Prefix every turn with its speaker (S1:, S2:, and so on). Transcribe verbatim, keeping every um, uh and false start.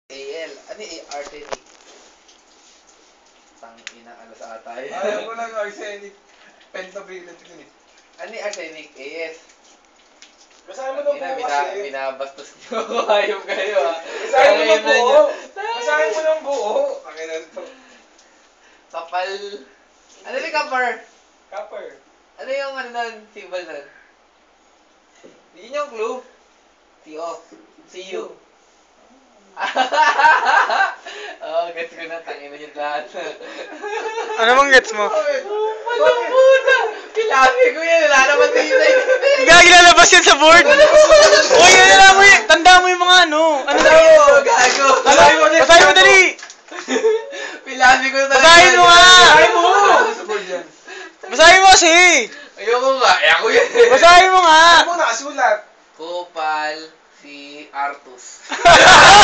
S1: A L. Ano yung arsenic? Tangina, ano sa atay?
S2: Alam ko lang arsenic. Pentavalent yun eh.
S1: Ano yung arsenic? A S.
S2: Basahin mo ng
S1: Ina,
S2: buo
S1: bina,
S2: kasi.
S1: binabastos niyo ako. Ayaw kayo ah.
S2: Basahin mo ng
S1: Tangina
S2: buo.
S1: niyo.
S2: Basahin mo ng buo. Pakinan to.
S1: Kapal. Ano yung kapar?
S2: Copper.
S1: Ano yung ano nun? Symbol nun? Yun yung clue. C O. C U. Oo, gets ko na. Tangina niyo lahat.
S3: Ano bang gets mo?
S1: Walang puta! Pilabi ko yan. Wala naman tingin.
S3: Gagi, lalabas yan sa board! Uy, ano na mo yun? Tanda mo yung mga ano. Ano na yun?
S1: Gago.
S3: Basahin mo, basahin mo dali!
S1: Pilabi ko na talaga.
S3: Basahin mo nga!
S2: Basahin mo! Sa board yan.
S3: Basahin mo kasi!
S1: Ayoko nga. Eh, ako yan.
S3: Basahin mo nga!
S2: Ano mo nakasulat?
S1: Kopal si Artus.